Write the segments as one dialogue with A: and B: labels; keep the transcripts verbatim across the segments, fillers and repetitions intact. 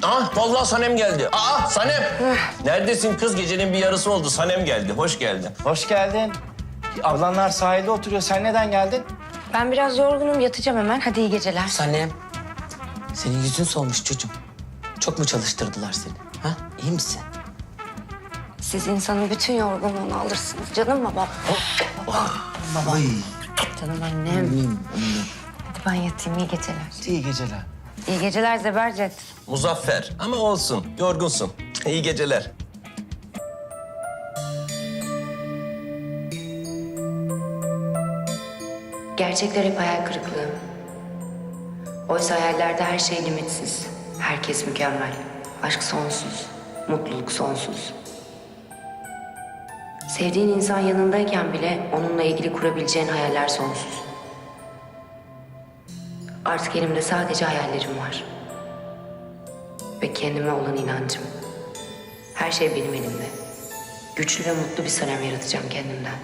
A: Ah vallahi Sanem geldi. Aa Sanem. Neredesin kız? Gecenin bir yarısı oldu. Sanem geldi. Hoş geldin.
B: Hoş geldin. Ablanlar sahilde oturuyor. Sen neden geldin?
C: Ben biraz yorgunum, yatacağım hemen. Hadi iyi geceler.
D: Sanem, senin yüzün solmuş çocuğum. Çok mu çalıştırdılar seni? Ha? İyi misin?
C: Siz insanın bütün yorgunluğunu alırsınız. Canım babam.
D: Baba.
C: Canım annem. Hadi ben yatayım, iyi geceler.
B: İyi geceler.
C: İyi geceler Zebercet.
A: Muzaffer ama olsun. Yorgunsun. İyi geceler.
C: Gerçekler hep hayal kırıklığı. Oysa hayallerde her şey limitsiz. Herkes mükemmel. Aşk sonsuz. Mutluluk sonsuz. Sevdiğin insan yanındayken bile onunla ilgili kurabileceğin hayaller sonsuz. Artık elimde sadece hayallerim var. Ve kendime olan inancım. Her şey benim elimde. Güçlü ve mutlu bir Sanem yaratacağım kendimden.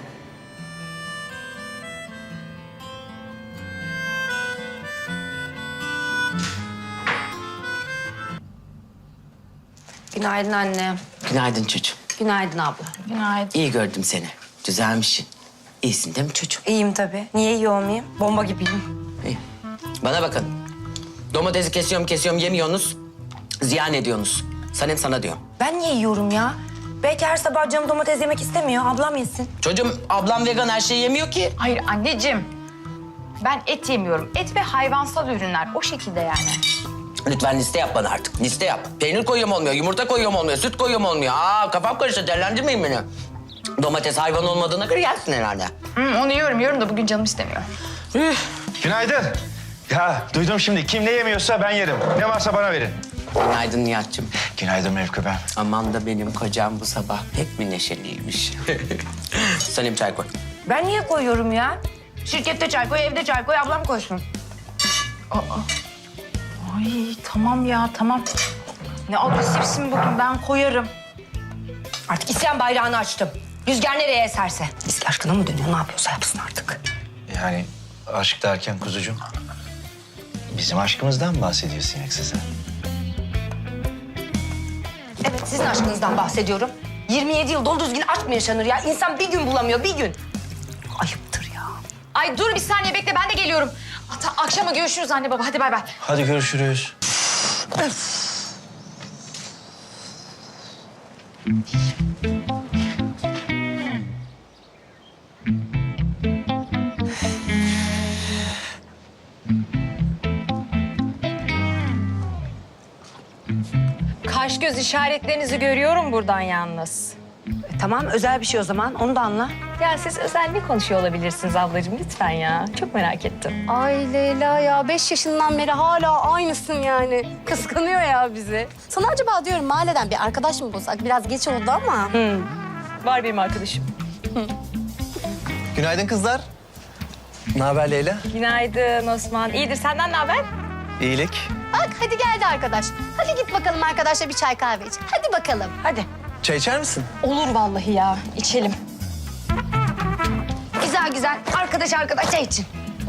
C: Günaydın anne.
D: Günaydın çocuğum.
C: Günaydın abla.
E: Günaydın.
D: İyi gördüm seni. Düzelmişsin. İyisin değil mi çocuğum?
C: İyiyim tabii. Niye iyi olmayayım? Bomba gibiyim.
D: İyi. Bana bakın. Domatesi kesiyorum kesiyorum yemiyorsunuz. Ziyan ediyorsunuz. Sanem sana diyorum.
C: Ben niye yiyorum ya? Belki her sabah canım domates yemek istemiyor. Ablam yesin.
D: Çocuğum ablam vegan her şeyi yemiyor ki.
E: Hayır anneciğim. Ben et yemiyorum. Et ve hayvansal ürünler. O şekilde yani.
D: Lütfen liste yap bana artık. Liste yap. Peynir koyuyorum olmuyor, yumurta koyuyorum olmuyor, süt koyuyorum olmuyor. Aa kafam karıştı, değerlendirmeyin beni. Domates hayvan olmadığına göre yersin herhalde.
E: Hı, onu yiyorum yiyorum da bugün canım istemiyor.
B: Günaydın. Ya duydum şimdi. Kim ne yemiyorsa ben yerim. Ne varsa bana verin.
D: Günaydın Nihat'cığım.
B: Günaydın Mevkü ben.
D: Aman da benim kocam bu sabah pek mi neşeliymiş. Sanem çay koy.
C: Ben niye koyuyorum ya? Şirkette çay koy, evde çay koy, ablam koysun.
E: Ay tamam ya tamam. Ne agresifsin bugün, ben koyarım.
C: Artık isyan bayrağını açtım. Rüzgar nereye eserse. Eski aşkına mı dönüyor? Ne yapıyorsa yapsın artık.
B: Yani aşk derken kuzucuğum. Bizim aşkımızdan mı bahsediyorsun yoksa sen?
C: Evet, sizin aşkınızdan bahsediyorum. yirmi yedi yıl dolu düzgün aşk mı yaşanır ya? İnsan bir gün bulamıyor, bir gün. Ayıptır ya.
E: Ay dur bir saniye bekle, ben de geliyorum. Hatta akşama görüşürüz anne baba, hadi bay bay.
B: Hadi görüşürüz.
E: Kaş göz işaretlerinizi görüyorum buradan yalnız.
C: E, tamam, özel bir şey o zaman. Onu da anla.
E: Ya siz özel ne konuşuyor olabilirsiniz ablacığım lütfen ya. Çok merak ettim.
F: Ay Leyla ya, beş yaşından beri hala aynısın yani. Kıskanıyor ya bizi. Sana acaba diyorum mahalleden bir arkadaş mı bulsak? Biraz geç oldu ama.
E: Var benim arkadaşım.
G: Günaydın kızlar. Ne haber Leyla?
E: Günaydın Osman. İyidir, senden ne haber?
G: İyilik.
F: Bak hadi geldi arkadaş. Hadi git bakalım arkadaşla bir çay kahve iç. Hadi bakalım.
C: Hadi.
G: Çay içer misin?
E: Olur vallahi ya, içelim.
C: Güzel güzel. Arkadaş arkadaşa için.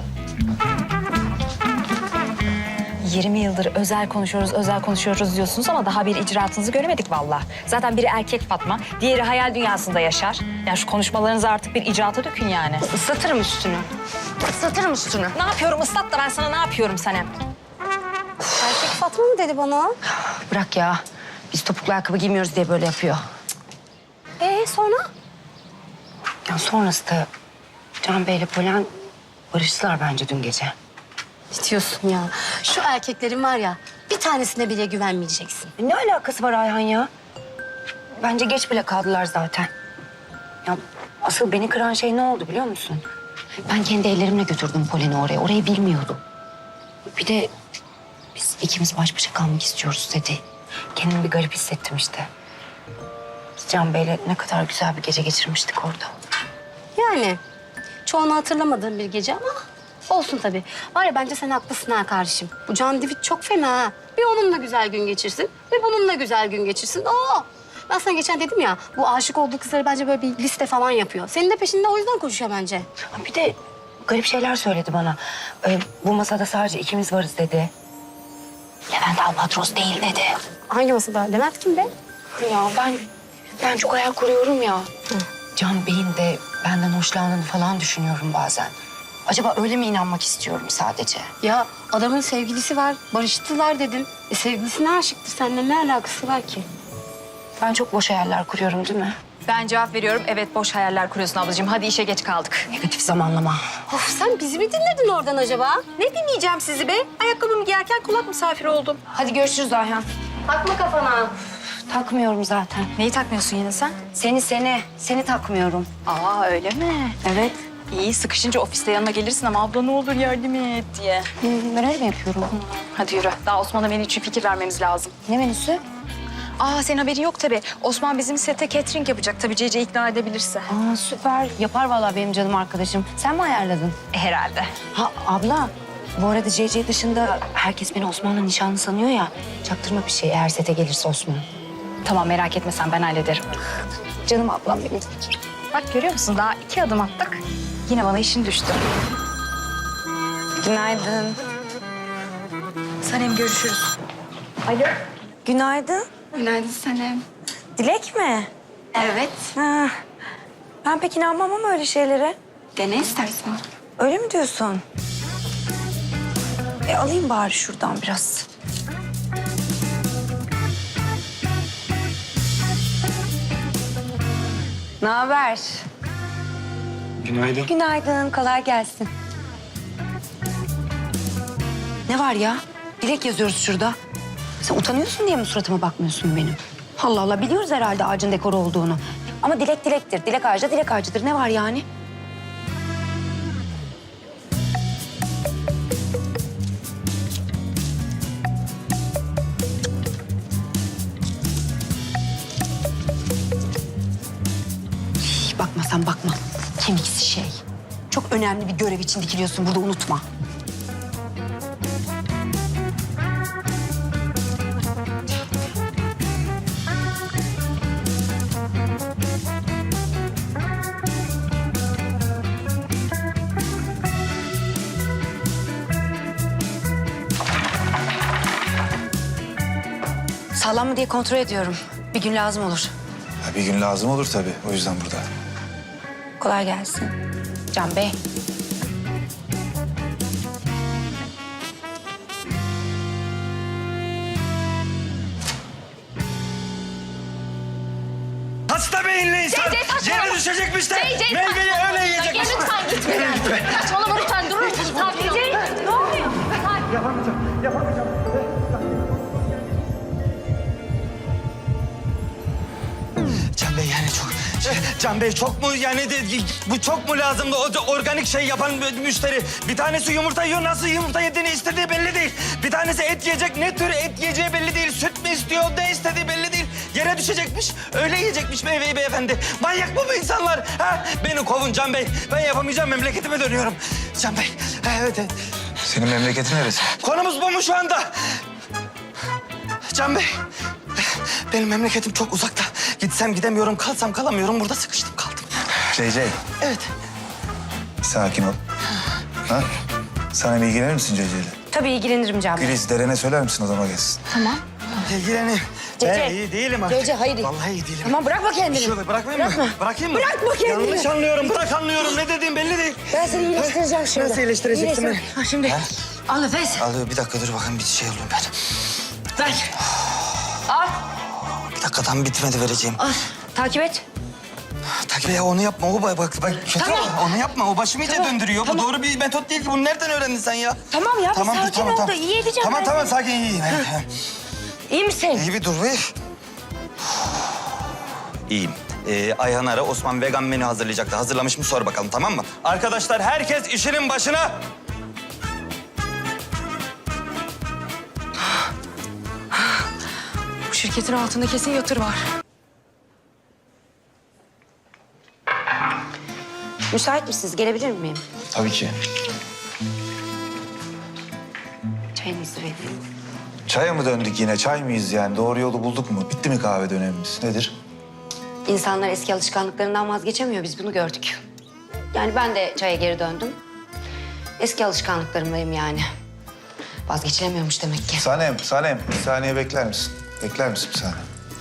E: yirmi yıldır özel konuşuyoruz, özel konuşuyoruz diyorsunuz ama daha bir icraatınızı göremedik vallahi. Zaten biri erkek Fatma, diğeri hayal dünyasında yaşar. Yani şu konuşmalarınızı artık bir icraata dökün yani.
C: Islatırım üstünü. Islatırım üstünü.
E: Ne yapıyorum ıslat da ben sana ne yapıyorum Sanem?
F: Erkek Fatma mı dedi bana?
C: Bırak ya. Biz topuklu ayakkabı giymiyoruz diye böyle yapıyor.
F: Ee sonra?
C: Ya sonrası da Can Bey'le Polen barıştılar bence dün gece.
F: Ne diyorsun ya? Şu erkeklerin var ya, bir tanesine bile güvenmeyeceksin.
C: E, Ne alakası var Ayhan ya? Bence geç bile kaldılar zaten. Ya asıl beni kıran şey ne oldu biliyor musun? Ben kendi ellerimle götürdüm Polen'i oraya. Orayı bilmiyordum. Bir de biz ikimiz baş başa kalmak istiyoruz dedi. Kendimi bir garip hissettim işte. Biz Can Bey'le ne kadar güzel bir gece geçirmiştik orada.
F: Yani çoğunu hatırlamadığım bir gece ama olsun tabii. Var ya bence sen haklısın ha kardeşim. Bu Can Divit çok fena ha. Bir onunla güzel gün geçirsin, bir bununla güzel gün geçirsin. Oo! Ben sana geçen dedim ya, bu aşık olduğu kızları bence böyle bir liste falan yapıyor. Senin de peşinde o yüzden koşuyor bence.
C: Ha, bir de garip şeyler söyledi bana. Ee, bu masada sadece ikimiz varız dedi. Levent Albatros değil dedi.
F: Hangi masada? Levent kim be?
C: Ya ben ben çok hayal kuruyorum ya. Can Bey'in de benden hoşlandığını falan düşünüyorum bazen. Acaba öyle mi inanmak istiyorum sadece?
F: Ya adamın sevgilisi var. Barıştılar dedin. E sevgilisine aşıktır. Seninle ne alakası var ki?
C: Ben çok boş hayaller kuruyorum değil mi?
E: Ben cevap veriyorum. Evet boş hayaller kuruyorsun ablacığım. Hadi işe geç kaldık.
C: Negatif zamanlama.
F: Of sen bizi mi dinledin oradan acaba?
E: Ne dinleyeceğim sizi be? Ayakkabımı giyerken kulak misafiri oldum.
C: Hadi görüşürüz Ayhan.
F: Takma kafana.
C: Takmıyorum zaten.
E: Neyi takmıyorsun yine sen?
C: Seni seni, seni takmıyorum.
E: Aa öyle mi?
C: Evet.
E: İyi sıkışınca ofiste yanına gelirsin ama abla ne olur yardım et diye.
C: Hı, ben öyle mi yapıyorum?
E: Hadi yürü. Daha Osman'a menü için fikir vermemiz lazım.
C: Ne menüsü?
E: Aa senin haberin yok tabii. Osman bizim sete catering yapacak tabii Cece ikna edebilirse.
C: Aa süper. Yapar vallahi benim canım arkadaşım. Sen mi ayarladın?
E: Herhalde.
C: Ha abla. Bu arada C C dışında herkes beni Osman'la nişanlı sanıyor ya. Çaktırma bir şey eğer sete gelirse Osman.
E: Tamam merak etme sen ben hallederim.
C: Canım ablam benim.
E: Bak görüyor musun daha iki adım attık. Yine bana işin düştü.
C: Günaydın.
E: Sanem görüşürüz.
C: Alo. Günaydın.
F: Günaydın Sanem.
C: Dilek mi?
F: Evet.
C: Ha. Ben pek inanmam ama öyle şeylere.
F: Dene istersen.
C: Öyle mi diyorsun? E alayım bari şuradan biraz. Ne haber?
G: Günaydın.
C: Günaydın, kolay gelsin. Ne var ya? Dilek yazıyoruz şurada. Sen utanıyorsun diye mi suratıma bakmıyorsun benim? Allah Allah, biliyoruz herhalde ağacın dekoru olduğunu. Ama dilek dilektir, dilek ağacı da dilek ağacıdır. Ne var yani? Şş, bakma sen bakma. Kemiksiz şey. Çok önemli bir görev için dikiliyorsun burada, unutma. Sağlam mı diye kontrol ediyorum. Bir gün lazım olur.
H: Ha, bir gün lazım olur tabii. O yüzden burada.
C: Kolay gelsin. Can Bey.
B: Hasta beyinli insan. Yere düşecekmiş de meyveyi öyle yiyecekmiş.
F: Lütfen gitme. Saçmalama lütfen durur musun? Sakin ol. Ne oluyor?
B: Can Bey yani çok... Can Bey çok mu yani de- bu çok mu lazımdı? O organik şey yapan müşteri. Bir tanesi yumurta yiyor, nasıl yumurta yediğini istediği belli değil. Bir tanesi et yiyecek, ne tür et yiyeceği belli değil. Süt mü istiyor, ne istediği belli değil. Yere düşecekmiş, öyle yiyecekmiş meyveyi beyefendi. Manyak mı bu insanlar? Ha? Beni kovun Can Bey. Ben yapamayacağım, memleketime dönüyorum. Can Bey, ha, evet evet.
H: Senin memleketin neresi?
B: Konumuz bu mu şu anda? Can Bey, benim memleketim çok uzakta. Gitsem gidemiyorum, kalsam kalamıyorum. Burada sıkıştım kaldım.
H: C C.
B: Evet.
H: Sakin ol. Ha? Sana bir ilgilenir misin C C ile?
C: Tabii ilgilenirim Can Bey.
H: Güliz, Deren'e söyler misin odama gelsin?
B: İlgileneyim.
C: Cece.
B: Ben iyi değilim artık.
C: Cece, hayır.
B: Vallahi iyi değilim.
C: Tamam, bırakma kendini.
B: Şöyle bırakmayayım
C: Bırakma.
B: mı? Bırakayım mı?
C: Bırakma kendini.
B: Yanlış anlıyorum, bırak anlıyorum. Ne dediğim belli değil.
C: Ben seni iyileştireceğim şimdi.
B: Nasıl iyileştireceksin beni?
C: Ha, şimdi al nefes.
B: Al bir dakika dur bakayım bir şey olayım ben.
C: Ver. Al.
B: Bir dakika tam bitmedi vereceğim.
C: Al. Takip et.
B: Takip ya onu yapma. O bak bak bak kötü.
C: Tamam.
B: Onu yapma. O başımı iyice
C: Tamam,
B: döndürüyor.
C: tamam.
B: Bu doğru bir metot değil ki. Bunu nereden öğrendin sen ya?
C: Tamam ya, bir
B: dur,
C: sakin ol da iyi edeceğim
B: Tamam
C: ben
B: tamam
C: seni.
B: sakin iyiyim. Evet, evet.
C: İyi misin?
B: İyi bir dur bir. İyiyim. Ee, Ayhan ara Osman vegan menü hazırlayacaktı. Hazırlamış mı sor bakalım, tamam mı? Arkadaşlar herkes işinin başına.
E: Bu şirketin altında kesin yatır var.
C: Müsait misiniz? Gelebilir miyim?
H: Tabii ki.
C: Çayınızı vereyim.
H: Çaya mı döndük yine? Çay mıyız yani? Doğru yolu bulduk mu? Bitti mi kahve dönemimiz? Nedir?
C: İnsanlar eski alışkanlıklarından vazgeçemiyor. Biz bunu gördük. Yani ben de çaya geri döndüm. Eski alışkanlıklarımdayım yani. Vazgeçilemiyormuş demek ki.
H: Sanem, Sanem. Bir saniye bekler misin? Bekler misin bir saniye?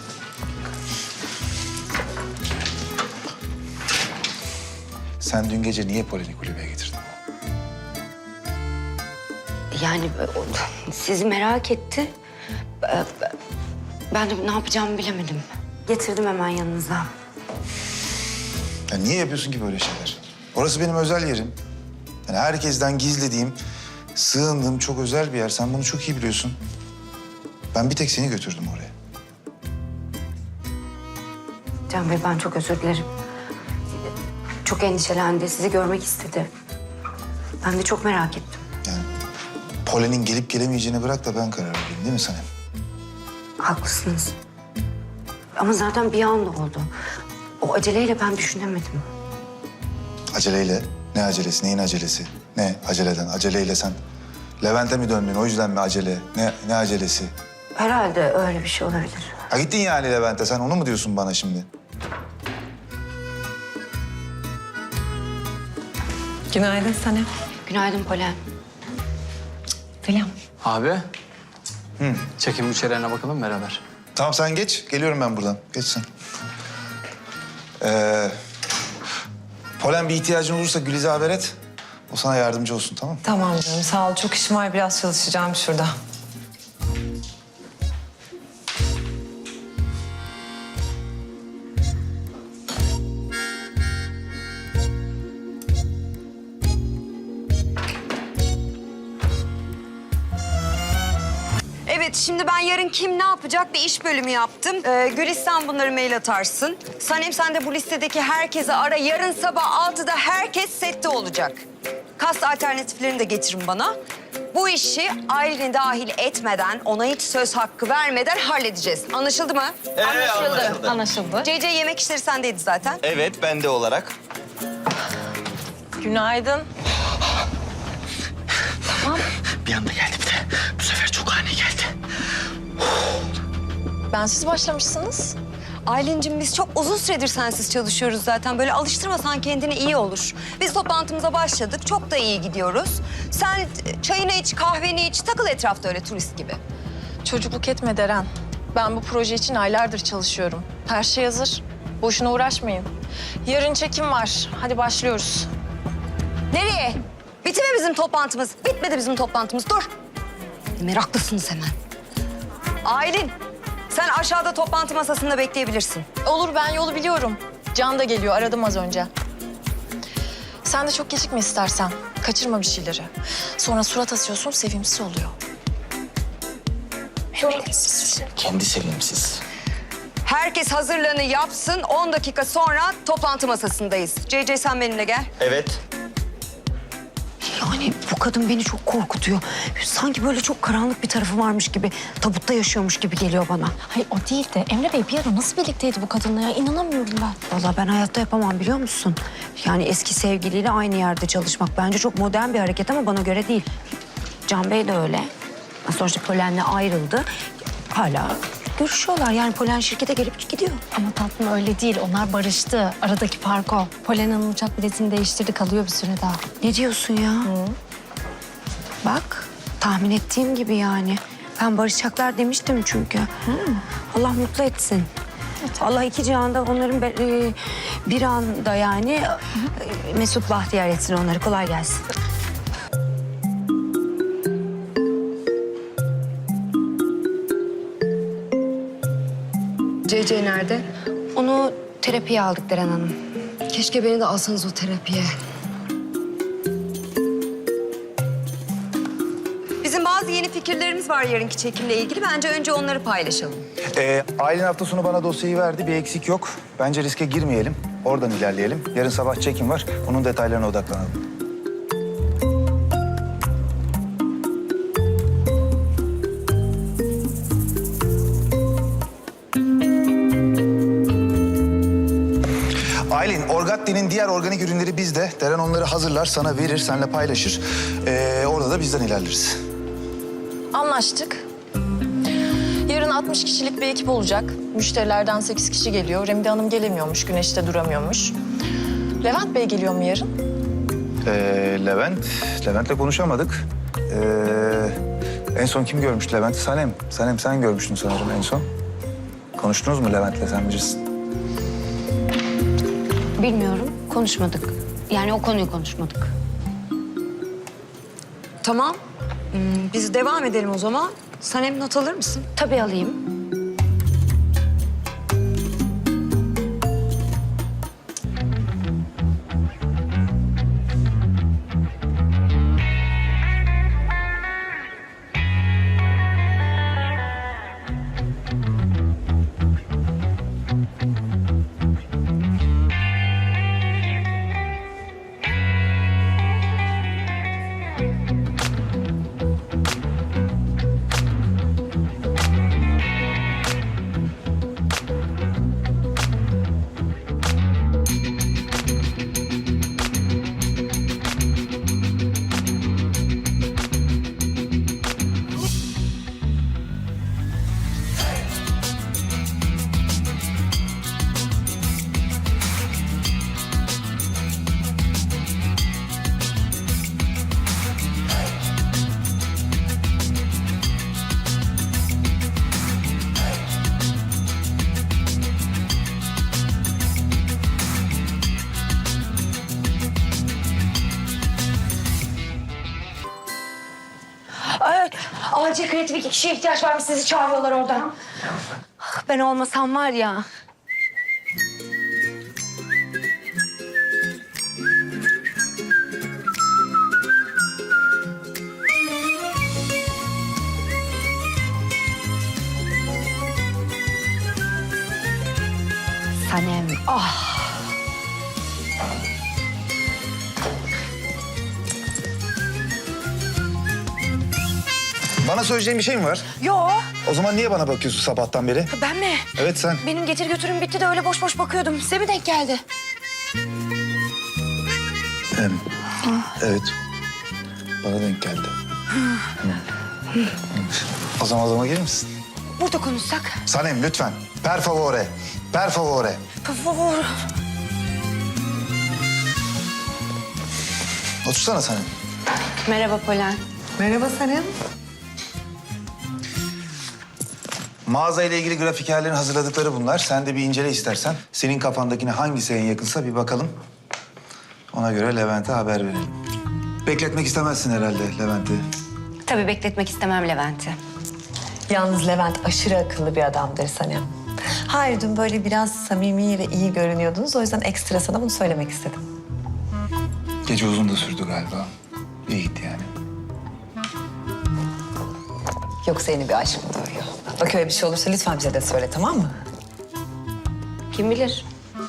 H: Sen dün gece niye Polen'i kulübeye getirdin?
C: Yani e, o- sizi merak etti. E, Ben de ne yapacağımı bilemedim. Getirdim hemen yanınıza.
H: Ya niye yapıyorsun ki böyle şeyler? Orası benim özel yerim. Yani herkesten gizlediğim, sığındığım çok özel bir yer. Sen bunu çok iyi biliyorsun. Ben bir tek seni götürdüm oraya.
C: Can Bey ben çok özür dilerim. Çok endişelendi, sizi görmek istedi. Ben de çok merak ettim.
H: Yani Polen'in gelip gelemeyeceğini bırak da ben karar vereyim değil mi Sanem?
C: Haklısınız. Ama zaten bir anda oldu. O aceleyle ben düşünemedim.
H: Aceleyle? Ne acelesi? Neyin acelesi? Ne aceleden? Aceleyle sen Levent'e mi döndün? O yüzden mi acele? Ne, ne acelesi?
C: Herhalde öyle bir şey olabilir.
H: Ha gittin yani Levent'e. Sen onu mu diyorsun bana şimdi?
I: Günaydın Sanem.
C: Günaydın Polen.
I: Selam.
G: Abi. Hı. Çekim müşterilerine bakalım beraber.
H: Tamam sen geç. Geliyorum ben buradan. Geç sen. Ee, Polen bir ihtiyacın olursa Güliz'e haber et. O sana yardımcı olsun tamam mı?
I: Tamam canım sağ ol. Çok işim var. Biraz çalışacağım şurada.
J: Evet, şimdi ben yarın kim ne yapacak bir iş bölümü yaptım. Ee, Gülistan bunları mail atarsın. Sanem sen de bu listedeki herkese ara. Yarın sabah altıda herkes sette olacak. Kast alternatiflerini de getirin bana. Bu işi Aylin'i dahil etmeden, ona hiç söz hakkı vermeden halledeceğiz. Anlaşıldı mı?
E: Anlaşıldı. Anlaşıldı.
J: C C yemek işleri sendeydi zaten.
A: Evet, ben de olarak.
I: Günaydın.
A: Bir anda geldi bir de. Bu sefer çok ani geldi.
E: Bensiz başlamışsınız.
J: Aylin'cim biz çok uzun süredir sensiz çalışıyoruz zaten. Böyle alıştırmasan kendini iyi olur. Biz toplantımıza başladık. Çok da iyi gidiyoruz. Sen çayını iç, kahveni iç. Takıl etrafta öyle turist gibi.
E: Çocukluk etme Deren. Ben bu proje için aylardır çalışıyorum. Her şey hazır. Boşuna uğraşmayın. Yarın çekim var. Hadi başlıyoruz.
J: Nereye? Bitti mi bizim toplantımız? Bitmedi bizim toplantımız. Dur. Meraklısınız hemen. Aylin, sen aşağıda toplantı masasında bekleyebilirsin.
E: Olur ben yolu biliyorum. Can da geliyor. Aradım az önce. Sen de çok gecikme istersen. Kaçırma bir şeyleri. Sonra surat asıyorsun, sevimsiz oluyor.
A: Kendi sevimsiz.
J: Herkes hazırlığını yapsın. on dakika sonra toplantı masasındayız. C C sen benimle gel.
A: Evet.
C: Yani bu kadın beni çok korkutuyor. Sanki böyle çok karanlık bir tarafı varmış gibi, tabutta yaşıyormuş gibi geliyor bana.
E: Hayır o değil de Emre Bey bir ara nasıl birlikteydi bu kadınla ya? İnanamıyorum ben.
C: Vallahi ben hayatta yapamam biliyor musun? Yani eski sevgiliyle aynı yerde çalışmak bence çok modern bir hareket ama bana göre değil. Can Bey de öyle. Sonuçta Polen'le ayrıldı. Hala görüşüyorlar. Yani Polen şirkete gelip gidiyor.
E: Ama tatlım öyle değil. Onlar barıştı. Aradaki fark o. Polen Hanım uçak biletini değiştirdi. Kalıyor bir süre daha.
C: Ne diyorsun ya? Bak tahmin ettiğim gibi yani. Ben barışacaklar demiştim çünkü. Allah mutlu etsin. Allah iki cihanda onların be- e, bir anda yani e, mesut bahtiyar etsin onları. Kolay gelsin.
J: C C nerede?
C: Onu terapiye aldık Deren Hanım.
J: Keşke beni de alsanız o terapiye. Bizim bazı yeni fikirlerimiz var yarınki çekimle ilgili. Bence önce onları paylaşalım.
H: Ee, Aylin hafta sonu bana dosyayı verdi. Bir eksik yok. Bence riske girmeyelim. Oradan ilerleyelim. Yarın sabah çekim var. Onun detaylarına odaklanalım. Aylin, Orgatti'nin diğer organik ürünleri bizde. Deren onları hazırlar, sana verir, seninle paylaşır. Ee, orada da bizden ilerleriz.
E: Anlaştık. Yarın altmış kişilik bir ekip olacak. Müşterilerden sekiz kişi geliyor. Remide Hanım gelemiyormuş, güneşte duramıyormuş. Levent Bey geliyor mu yarın?
H: Ee, Levent, Levent'le konuşamadık. Ee, En son kim görmüştü Levent'i? Sanem. Sanem sen görmüştün sanırım en son. Konuştunuz mu Levent'le, sen bilirsin.
C: Bilmiyorum, konuşmadık. Yani o konuyu konuşmadık.
J: Tamam. Hmm, biz devam edelim o zaman. Sanem not alır mısın?
C: Tabii alayım. Ay, acil kreatif iki kişiye ihtiyaç varmış. Sizi çağırıyorlar oradan. Ben olmasam var ya. Sanem, ah.
H: Bana söyleyeceğin bir şey mi var?
C: Yo,
H: O zaman niye bana bakıyorsun sabahtan beri?
C: ben mi?
H: Evet sen.
C: Benim getir götürüm bitti de öyle boş boş bakıyordum. Size mi denk geldi?
H: Hem, evet. Bana denk geldi. Hı. O zaman o zaman gelir misin?
C: Burada konuşsak.
H: Sanem lütfen. Per favore. Per favore.
C: Por favor.
H: Otursana Sanem.
C: Merhaba Polen.
I: Merhaba Sanem.
H: Mağaza ile ilgili grafikerlerin hazırladıkları bunlar. Sen de bir incele istersen. Senin kafandakine hangisi en yakınsa bir bakalım. Ona göre Levent'e haber verelim. Bekletmek istemezsin herhalde Levent'i.
C: Tabii bekletmek istemem Levent'i.
I: Yalnız Levent aşırı akıllı bir adamdır Sanem. Hayır, dün böyle biraz samimi ve iyi görünüyordunuz. O yüzden ekstra sana bunu söylemek istedim.
H: Gece uzun da sürdü galiba. İyi gitti yani.
I: Yoksa yeni bir aşk mı doğuyor? Bak öyle bir şey olursa lütfen bize de söyle, tamam mı?
C: Kim bilir?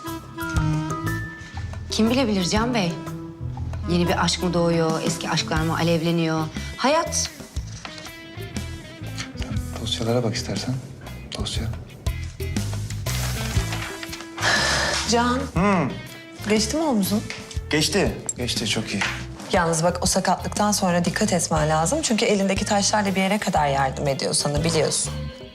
C: Kim bilebilir Can Bey? Yeni bir aşk mı doğuyor, eski aşklar mı alevleniyor? Hayat.
H: Dosyalara bak istersen. Dosya.
I: Can. Geçti mi omzun?
H: Geçti. Geçti çok iyi.
I: Yalnız bak, o sakatlıktan sonra dikkat etmen lazım. Çünkü elindeki taşlarla bir yere kadar yardım ediyor sana, biliyorsun.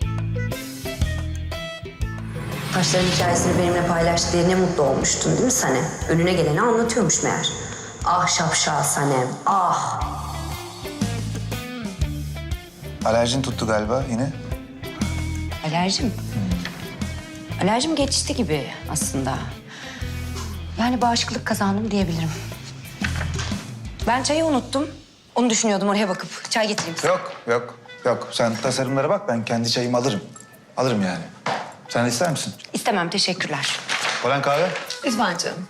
C: Taşların hikayesini benimle paylaştı diye ne mutlu olmuştun değil mi Sanem? Önüne geleni anlatıyormuş meğer. Ah şapşal Sanem, ah.
H: Alerjin tuttu galiba yine.
C: Alerjim? Alerjim geçti gibi aslında. Yani bağışıklık kazandım diyebilirim. Ben çayı unuttum. Onu düşünüyordum, oraya bakıp çay getireyim size.
H: Yok, yok, yok. Sen tasarımlara bak, ben kendi çayımı alırım. Alırım yani. Sen de ister misin?
C: İstemem, teşekkürler.
H: Polen kahve?
I: Lütfen canım.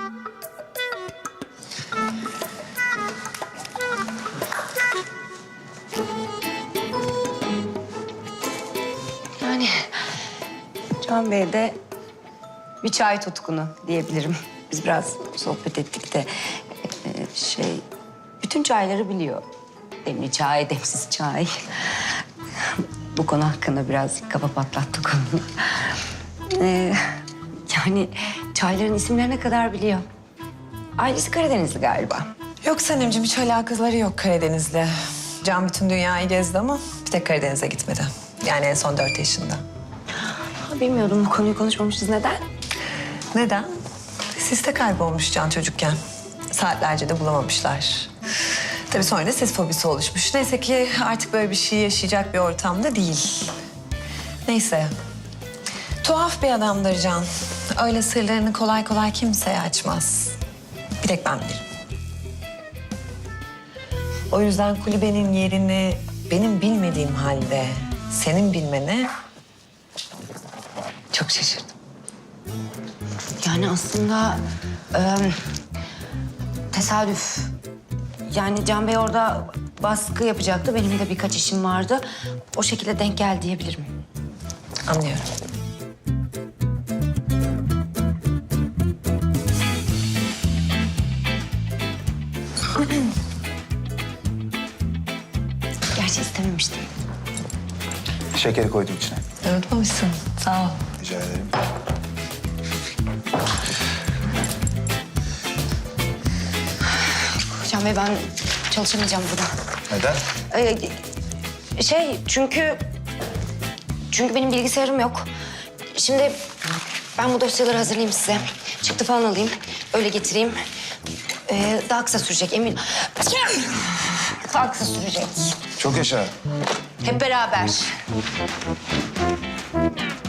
C: Yani Can Bey de bir çay tutkunu diyebilirim. Biz biraz sohbet ettik de e, şey, bütün çayları biliyor. Demli çay, demsiz çay. Bu konu hakkında biraz kafa patlattık onu. Ee, yani çayların isimlerine kadar biliyor. Ailesi Karadenizli galiba.
I: Yok Sanemciğim, hiç alakaları yok Karadeniz'le. Can bütün dünyayı gezdi ama bir tek Karadeniz'e gitmedi. Yani en son dört yaşında.
C: Ha, bilmiyordum bu konuyu konuşmamışız. Neden?
I: Neden? Siste kaybolmuş Can çocukken. Saatlerce de bulamamışlar. Tabii sonra da ses fobisi oluşmuş. Neyse ki artık böyle bir şey yaşayacak bir ortamda değil. Neyse. Tuhaf bir adamdır Can. Öyle sırlarını kolay kolay kimseye açmaz. Bir tek ben bilirim. O yüzden kulübenin yerini benim bilmediğim halde senin bilmene çok şaşırdım.
C: Yani aslında e, tesadüf. Yani Can Bey orada baskı yapacaktı. Benim de birkaç işim vardı. O şekilde denk geldi diyebilirim.
I: Anlıyorum.
C: Gerçi istememiştim.
H: Şekeri koydum içine.
I: Unutmamışsın. Sağ ol.
H: Rica ederim.
C: Can Bey ben çalışamayacağım burada.
H: Neden?
C: Ee, şey çünkü... Çünkü benim bilgisayarım yok. Şimdi ben bu dosyaları hazırlayayım size. Çıktı falan alayım. Öyle getireyim. Ee, daha kısa sürecek emin. Daha kısa sürecek.
H: Çok yaşa.
C: Hep beraber.